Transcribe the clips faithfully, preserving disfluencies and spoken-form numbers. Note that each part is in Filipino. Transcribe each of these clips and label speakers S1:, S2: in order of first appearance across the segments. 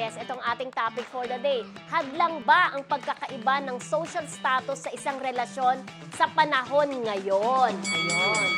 S1: Marites, itong ating topic for the day. Hadlang ba ang pagkakaiba ng social status sa isang relasyon sa panahon ngayon? Ayun.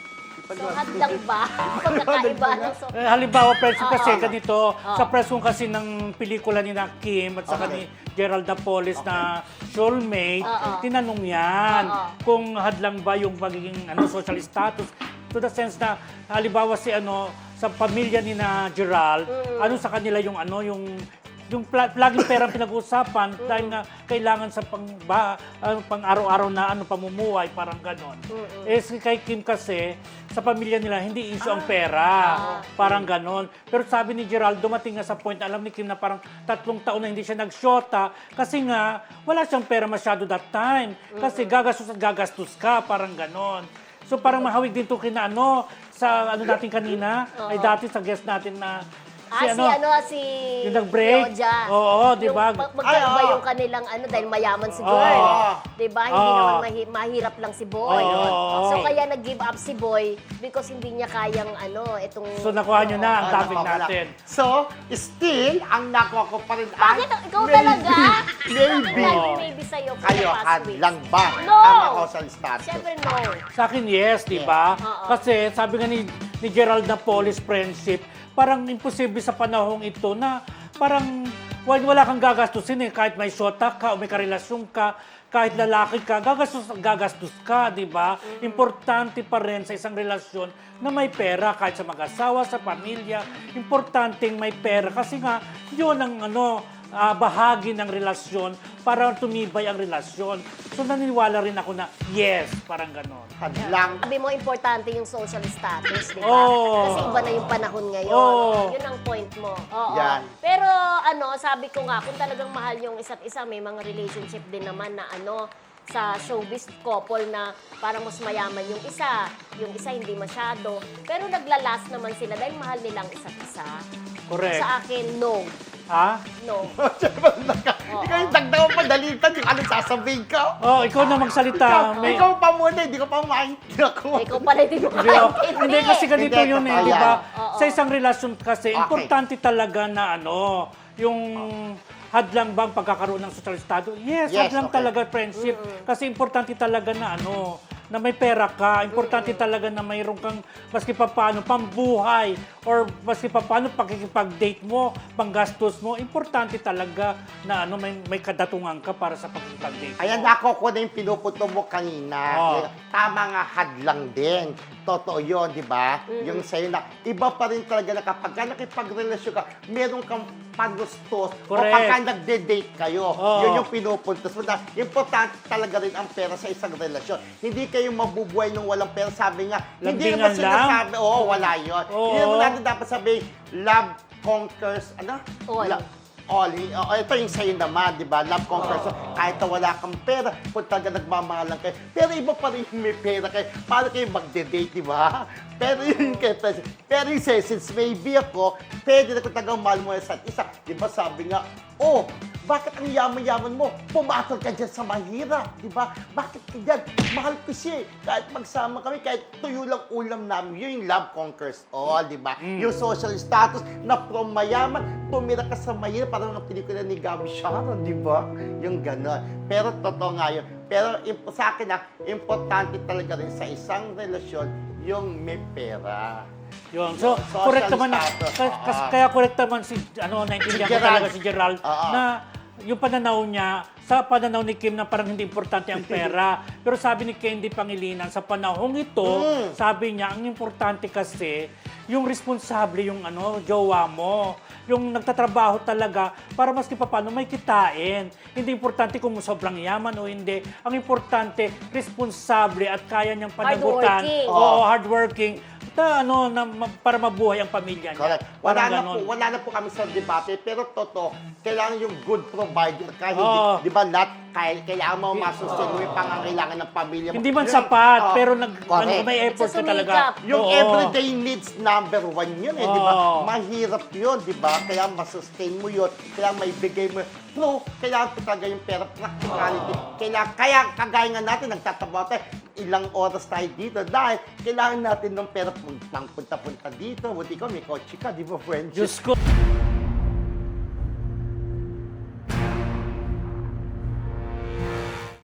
S1: So, hadlang ba ang pagkakaiba ng social
S2: Eh, halimbawa, friends,
S1: Oo.
S2: kasi ganito,
S1: Oo.
S2: sa press kung kasi ng pelikula ni na Kim at saka
S3: Okay.
S2: ni Gerald Napoles na soulmate,
S1: Oo.
S2: tinanong yan
S1: Oo.
S2: kung hadlang ba yung pagiging ano, social status. To the sense na, halimbawa si ano, sa pamilya ni na Gerald,
S1: Mm.
S2: ano sa kanila yung ano, yung yung pla- laging perang pinag-uusapan dahil nga kailangan sa pang, ba, ano, pang araw-araw na ano, pamumuhay, parang ganon. Eh, si kay Kim kasi, sa pamilya nila, hindi issue ang pera. Parang ganon. Pero sabi ni Gerald, dumating nga sa point, alam ni Kim na parang tatlong taon na hindi siya nag-shota kasi nga, wala siyang pera masyado that time. Kasi gagastos at gagastos ka, parang ganon. So parang mahawig din to kina ano, sa ano natin kanina, ay dati sa guest natin na
S1: Ah, si ano, si...
S2: yung nag-break.
S1: Yoja.
S2: Oo, di ba?
S1: Yung mag- magkaiba
S3: Ay, oo.
S1: yung kanilang ano, dahil mayaman si girl.
S3: Oo.
S1: Di ba? Hindi
S2: Oo.
S1: naman mahi- mahirap lang si boy.
S2: Oo.
S1: So, kaya nag-give up si boy because hindi niya kayang ano, itong...
S2: So nakuha nyo na ang
S3: Ah,
S2: topic
S3: nakuha ko lang.
S2: natin.
S3: So, still, ang nakuha ko pa rin ay...
S1: Bakit? Ikaw
S3: maybe-
S1: talaga?
S3: Maybe.
S1: Bakit maybe sa'yo for
S3: Kayo,
S1: the past weeks?
S3: hadlang ba?
S1: No!
S3: Ang social status.
S1: Siyempre no.
S2: Sa akin, yes, di ba?
S1: Oo.
S2: Kasi sabi nga ni, ni Gerald Napoles friendship, parang imposible sa panahong ito na parang wala, wala kang gagastusin eh. Kahit may shota ka o may karelasyon ka, kahit lalaki ka, gagastos at gagastos ka, di ba? Importante pa rin sa isang relasyon na may pera kahit sa mag-asawa, sa pamilya. Importanteng may pera kasi nga yun ang ano, ah, bahagi ng relasyon para tumibay ang relasyon. So naniniwala rin ako na yes, parang ganon.
S3: Hadlang.
S1: Sabi mo, importante yung social status, di ba?
S2: Oo.
S1: Kasi iba na yung panahon ngayon.
S2: Oo.
S1: Yun ang point mo. Oo.
S3: Yan.
S1: Pero ano, sabi ko nga, kung talagang mahal yung isa't isa, may mga relationship din naman na ano, sa showbiz couple na parang mas mayaman yung isa, yung isa hindi masyado. Pero naglalas naman sila dahil mahal nilang isa't isa.
S2: Correct.
S1: Sa akin, no.
S2: Ha?
S1: No.
S3: Siyempre, naka- Ikaw yung dagdagan pa, dalitan, yung ano sasabihin ka.
S2: Oh, ikaw na magsalita.
S3: Ikaw,
S2: May-
S3: ikaw pa muna, hindi ko pa maintindihan ako.
S1: Ikaw pala hindi mo
S2: Hindi, oh.
S1: makaintindi.
S2: Hindi kasi ganito
S3: Hindi,
S2: yun eh,
S3: totoo
S2: di ba?
S1: yan. Oo.
S2: Sa isang relasyon kasi,
S3: Okay.
S2: importante talaga na ano, yung hadlang bang pagkakaroon ng social status? Yes,
S3: Yes,
S2: hadlang
S3: okay.
S2: talaga friendship. Kasi importante talaga na ano, na may pera ka, importante talaga na mayroon kang maski pa paano pambuhay or maski pa paano pakikipag-date mo, panggastos mo, importante talaga na ano may may kadatungan ka para sa pakikipag-date mo.
S3: Ayan, ako ko na yung pinuputo mo kanina.
S2: Oo.
S3: Tama nga, hadlang din. Totoo yun, di ba? Yung sa'yo na, iba pa rin talaga na kapag ka nakipagrelasyon ka, meron kang pagustos. O
S2: Correct.
S3: pagka nagde-date kayo,
S2: Oo.
S3: yun yung pinupuntos mo. Na, importante talaga rin ang pera sa isang relasyon. Hindi kayo mabubuhay nung walang pera. Sabi nga, hindi
S2: Lambingan
S3: naman
S2: lang?
S3: sinasabi, oo, wala yun.
S2: Oo.
S3: Hindi naman natin dapat sabihin, love conquers, ano?
S1: All.
S3: La- all. Oh, ito yung sa'yo naman, di ba? Love conquers. So, kahit na wala kang pera, kung talaga nagmamahalan kayo. Pero iba pa rin yung may pera kayo. Paano kayo magde-date, di ba? Pero yun kayo, pero yung say, since maybe ako, pwede na kung talagang mahal mo sa isa. Di ba sabi nga, oh, bakit ang yaman-yaman mo? Pumatol ka dyan sa mahirap, di ba? Bakit ka dyan? Mahal ko siya eh. Kahit magsama kami, kahit tuyo lang ulam namin, yun yung love conquers all, di ba? Yung social status na from mayaman, tumira ka sa mahirap, parang ang pelikula ni Gabi Sharon, di ba? Yung gano'n. Pero totoo nga yun. Pero imp- sa akin na, importante talaga rin sa isang relasyon, yung may pera.
S2: Yun. So,
S3: Social
S2: correct naman na,
S3: status,
S2: ka- kas-
S3: oo.
S2: kaya correct naman si, ano, naintindihan
S3: Si
S2: ko
S3: Gerald.
S2: talaga si Gerald,
S3: Oo.
S2: na yung pananaw niya, sa pananaw ni Kim na parang hindi importante ang pera. Pero sabi ni Candy Pangilinan, sa panahong ito,
S3: Mm.
S2: sabi niya, ang importante kasi, yung responsable yung ano, jowa mo. Yung nagtatrabaho talaga para maski pa paano may kitain. Hindi importante kung sobrang yaman o hindi. Ang importante, responsable at kaya niyang panagutan.
S1: Hardworking.
S2: Oo, hardworking. Na, ano, na, ma- para mabuhay ang pamilya niya.
S3: Correct. Wala
S2: Parang
S3: na,
S2: ganon.
S3: po, wala na po kami sa debate, pero totoo, kailangan yung good provider. Kahit
S2: Oo.
S3: hindi, di ba, lahat, kaya, kailangan mo masustain mo yung pangangailangan ng pamilya mo.
S2: Hindi man
S3: Yun,
S2: sapat,
S3: oo,
S2: pero nag,
S3: correct.
S2: ano, may effort ka talaga.
S1: Sumikap.
S3: Yung
S2: Oo.
S3: everyday needs number one yun eh, di ba?
S2: Oo.
S3: Mahirap yun, di ba? Kaya masustain mo yun, kaya may bigay mo yun. Pero kailangan po talaga yung pera, practicality. Kailangan, kaya kagaya nga natin, nagtatabaw tayo, ilang oras tayo dito dahil kailangan natin ng pera pang punta-punta dito. Buti ko, may kotse ka, di ba, friend?
S2: Diyos ko.